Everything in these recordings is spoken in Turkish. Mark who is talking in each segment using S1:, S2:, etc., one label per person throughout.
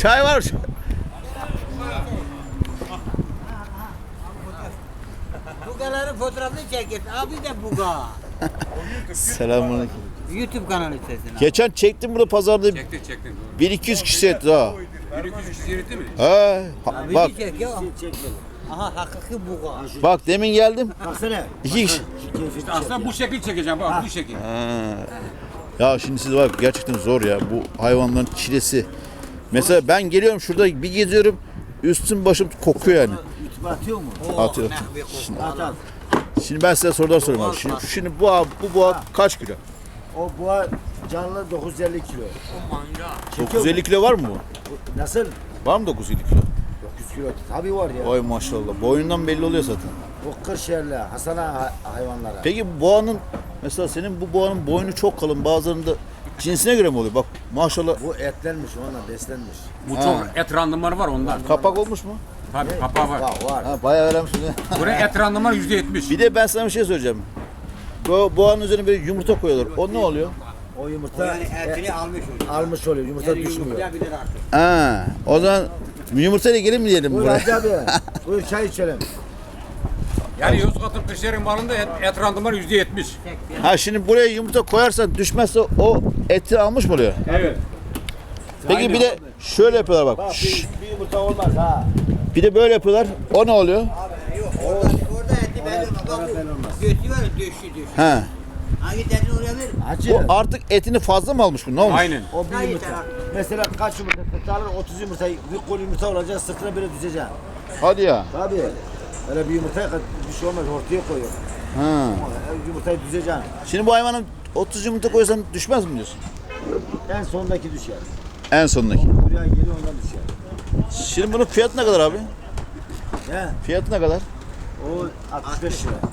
S1: Çay var.
S2: Bugaların fotoğrafını çekin. Abi de buga.
S1: Selamünaleyküm.
S2: YouTube kanalı sesine.
S1: Geçen çektim bunu pazarda.
S3: Çektin.
S1: 1-200 kişi etti ha.
S3: 1-200 kişi yürüttü mü?
S1: He.
S2: Abi
S1: Bak,
S2: çek ya. Aha hakiki buga.
S1: bak demin geldim.
S4: Baksana.
S1: 2 kişi.
S3: Aslında bu şekil çekeceğim bak bu şekil.
S1: Ya şimdi siz bak gerçekten zor ya bu hayvanların çilesi. Mesela ben geliyorum şurada bir geziyorum. Üstüm başım kokuyor yani.
S4: YouTube'a atıyor mu?
S1: Atıyor.
S4: At at.
S1: Şimdi ben size sorular sorayım abi. Şimdi bu boğa kaç kilo?
S4: O boğa canlı 950 kilo.
S1: 950 kilo var mı bu?
S4: Nasıl?
S1: Var mı 950 kilo?
S4: 900 kilo. Tabii var ya.
S1: Vay maşallah. Boyundan belli oluyor zaten.
S4: Bu Kırşehirli Hasan'a hayvanlara.
S1: Peki bu boğanın mesela senin bu boğanın boynu çok kalın. Bazılarında cinsine göre mi oluyor? Bak maşallah
S4: Bu etlenmiş onunla beslenmiş.
S3: Bu çok et randımanı var ondan.
S1: kapak olmuş mu?
S3: Tabii kapağı var.
S4: Var.
S1: Ha bayağı öğrenmiş.
S3: Buraya et randımanı %70.
S1: Bir de ben sana bir şey söyleyeceğim. Bu boğanın üzerine bir yumurta koyuyorlar. O ne oluyor?
S4: O yumurta
S2: Yani etini almış oluyor.
S4: almış oluyor. Yumurta düşmüyor.
S2: Yumurtlayabilir artık.
S1: Ha, o zaman yumurtayla gelin mi diyelim
S4: Buyur
S1: buraya?
S4: Hacı abi. Buyur çay içelim.
S3: Yani Yozgat'ın Kırşehir'in malında et randımanı %70.
S1: Ha şimdi buraya yumurta koyarsan düşmezse o eti almış mı oluyor?
S3: Evet.
S1: Peki
S3: Aynen.
S1: bir de şöyle yapıyorlar bak.
S4: Bak
S1: Şşş,
S4: bir yumurta olmaz ha.
S1: bir de böyle yapıyorlar. O ne oluyor?
S2: Yok orada eti belli olmaz. Bak
S4: belli olmaz.
S2: bu götü var ya döşü.
S1: He.
S2: Hangi dedin oraya ver?
S4: Hacı.
S1: O artık etini fazla mı almış bu? Ne olmuş?
S3: Aynen.
S4: O bir
S2: Hayır,
S4: yumurta.
S2: tamam.
S4: Mesela kaç yumurta sırtı alır? 30 yumurta. Bir kol yumurta olacak sırtına böyle düşeceksin.
S1: Hadi ya.
S4: Tabii. Öyle bir yumurtaya bir şey olmaz. Ortaya koyuyor.
S1: Ha.
S4: Yumurtayı düzeceksin.
S1: Şimdi bu hayvanın 30 yumurta koysan düşmez mi diyorsun?
S4: En sondaki düşer.
S1: En sondaki.
S4: Buraya geliyor ondan düşer.
S1: Şimdi bunun fiyatı ne kadar abi?
S4: He.
S1: Fiyatı ne kadar?
S4: O 65 lira.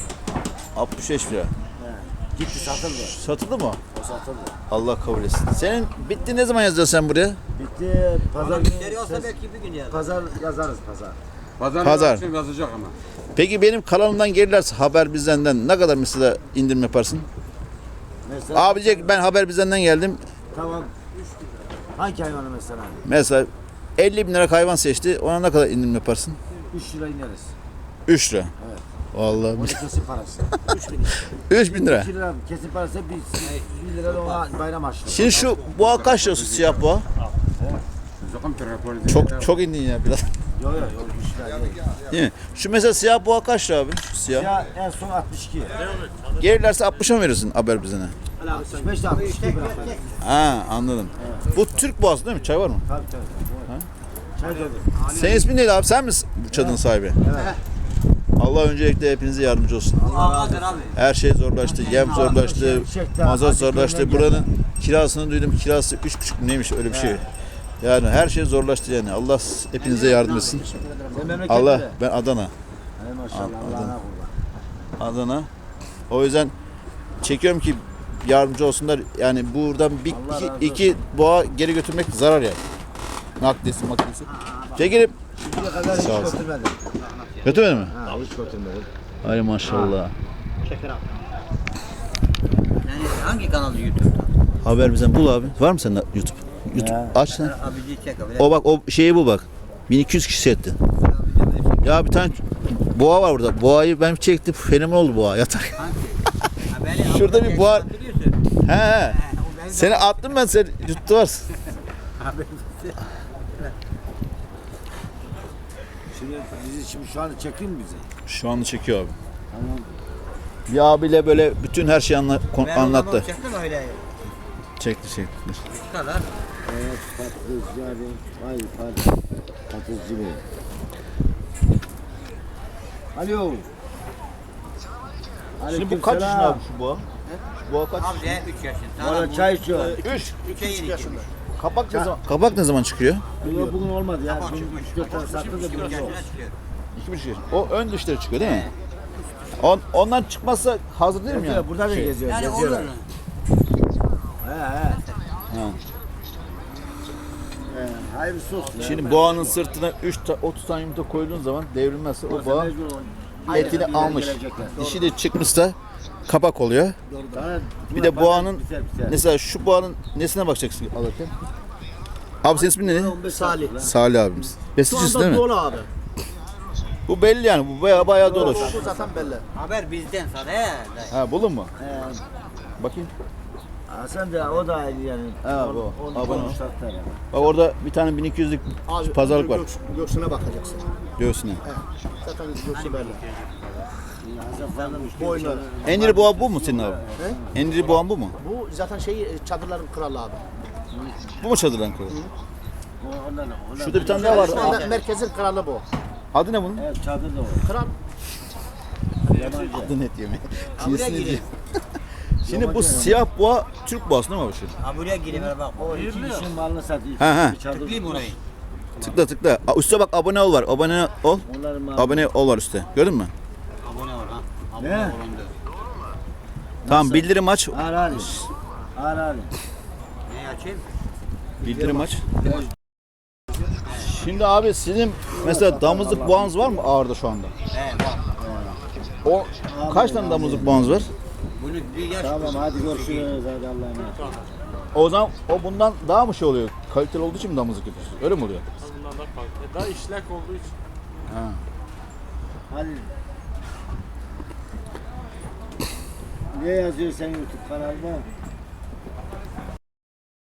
S1: 65 lira.
S4: He. Gitti satıldı.
S1: Satıldı mı?
S4: O satıldı.
S1: Allah kabul etsin. Senin bitti ne zaman yazacaksın sen buraya?
S4: Bitti. Pazar
S2: Müşteri
S4: günü.
S2: olsa belki bir gün yer.
S4: Pazar yazarız pazar.
S1: Pazar.
S3: Pazar. Yazacak ama.
S1: Peki benim kanalımdan gelirlerse haber bizden ne kadar mesela indirim yaparsın?
S4: Mesela.
S1: Abi diyecek ki ben haber bizden geldim.
S4: Tamam. Hangi hayvanı mesela?
S1: Mesela 50 bin lira hayvan seçti. Ona ne kadar indirim yaparsın?
S4: 3 lira ineriz.
S1: 3 lira.
S4: Evet.
S1: Vallahi
S4: Onun kesin parası.
S1: 3 bin lira.
S4: 2 lira kesin parası 1 lira da ona bayram harçlığı.
S1: Şimdi şu boğa kaç lirası siyah boğa? Çok indin ya biraz.
S4: Yok yok yok 3 lira değil.
S1: Değil mi? Şu mesela siyah boğa kaç lira abi? Şu siyah.
S4: Ya en son 62.
S1: Gelirlerse 60'a mı verirsin haber bizden?
S4: 65 de 62 bırakıyor.
S1: Ha anladım. Bu Türk boğası değil mi? Çay var mı?
S4: Tabii tabii. Çay dolu.
S1: Senin ismin neydi abi? Sen misin bu çadırın sahibi?
S4: Evet.
S1: Allah öncelikle hepinize yardımcı olsun.
S2: Ağadır abi.
S1: Her şey zorlaştı, yem zorlaştı, mazot zorlaştı. Buranın kirasını duydum, kirası 3,5 neymiş öyle bir şey. Yani her şey zorlaştı yani. Allah hepinize yardım etsin.
S4: Sen memleket
S1: Allah,
S4: nere?
S1: ben Adana.
S4: Hay maşallah Allah'ına kurban.
S1: Adana. O yüzden çekiyorum ki yardımcı olsunlar. Yani buradan bir
S4: Allah razı olsun.
S1: iki boğa geri götürmek zarar yani. Nakliyesi makliyesi. Çekelim.
S4: Şimdiye kadar hiç
S1: Sağ olsun.
S4: götürmedim.
S1: Götürmedin mi?
S4: Ha hiç götürmedim.
S1: Ay maşallah.
S2: Yani hangi kanalı YouTube'da?
S1: Haber bizden bul abi. Var mı sende YouTube? YouTube
S4: Ya.
S1: aç sen.
S2: Abici çek abi.
S1: O bak o şeyi bu bak. 1200 kişi etti. Ya bir tane boğa var burada. Boğayı ben çektim. Fenomen oldu boğa yatar. Şurada bir boğa- He. Seni attım ben sen yuttu varsın.
S4: Şimdi şu an çekeyim mi bizi?
S1: Şu anda çekiyor abi.
S4: Tamam.
S1: Bir abiyle böyle bütün her şeyi anlattı.
S2: Çektin mi öyle?
S1: Çekti.
S2: Şu kadar.
S4: Evet patlıcı abi. Vay patlıcı bey. Alo.
S1: Şimdi bu kaç yaşında abi şu boğa? Şu boğa kaç?
S2: Abi de 3 yaşında.
S4: Valla çay içiyor.
S2: 3'e yeni yaşında.
S1: Kabak ne zaman çıkıyor?
S4: Bugün olmadı ya.
S2: Tamam,
S4: Bugün
S2: çıkmış.
S4: 4 tane sattı da
S2: 2,5
S4: biraz
S2: yaşına
S4: oldu.
S2: çıkıyor.
S1: 2,5 yaş. O ön dişleri çıkıyor değil mi? Ondan çıkmazsa hazır değil mi yani?
S4: Evet, burada da geziyor.
S2: Yani olur.
S4: geziyorlar. He. Hayırlısı olsun.
S1: Şimdi boğanın sırtına 30 tane yumurta koyduğun zaman devrilmezse o boğa etini almış. Dişi de çıkmışsa kapak oluyor.
S4: Doğru.
S1: Bir de
S4: Buna pazar
S1: boğanın
S4: biter.
S1: mesela şu boğanın nesine bakacaksın alırken? Abi senin ismin ne?
S4: 15 Salih.
S1: Salih abimiz.
S4: Şu
S1: Besicisi değil
S4: anda
S1: mi?
S4: dolu abi.
S1: Bu belli yani. Bu bayağı dolu.
S4: Bu zaten belli.
S2: Haber bizden sana he.
S1: Ha buldun mu? Bakayım.
S4: Sen de o da ayrı yani.
S1: Ha, bu. Abone ol.
S4: Yani.
S1: Bak orada bir tane 1200'lük pazarlık var.
S4: Göğsüne bakacaksın.
S1: Göğsüne.
S4: Zaten göğsü belli. Boynu.
S1: En iri boğa bu mu senin abi? En iri boğan bu mu?
S4: Bu zaten çadırların kralı abi.
S1: Bu mu çadırdan kralı? Şurada bir tane daha var.
S4: Şu anda merkezin kralı bu.
S1: Adı ne bunun?
S4: Evet çadır da o. Kral.
S1: Adı net yemeği.
S2: buraya girin.
S1: Şimdi bu siyah boğa Türk boğası değil mi abi şimdi?
S2: Ha buraya gireyim bak.
S4: O iki kişinin malını satıyor.
S1: He.
S4: Bir çadır.
S2: Tıklayayım orayı.
S1: Tıkla. Üste bak abone ol var. Abone ol.
S4: Onların malı.
S1: Abone ol var üstte. Gördün mü?
S2: Abone ol ha.
S4: Ne?
S2: Abone ol.
S1: Tamam bildirim aç.
S4: Ağır.
S2: Ne açayım?
S1: Bildirim aç. Şimdi abi sizin mesela damızlık boğanız var mı ağırda şu anda?
S2: He bak.
S1: O kaç tane damızlık boğanız var?
S2: Bunu bir yaş.
S4: Tamam hadi görüşürüz hadi Allah'a emanet.
S1: O zaman o bundan daha mı şey oluyor? Kaliteli olduğu için mi damızlık yapıyorsun? Öyle mi oluyor?
S5: Bundan da farklı. Daha işlek olduğu için.
S1: Ha.
S4: Hadi. Ne yazıyor sen YouTube kanalda?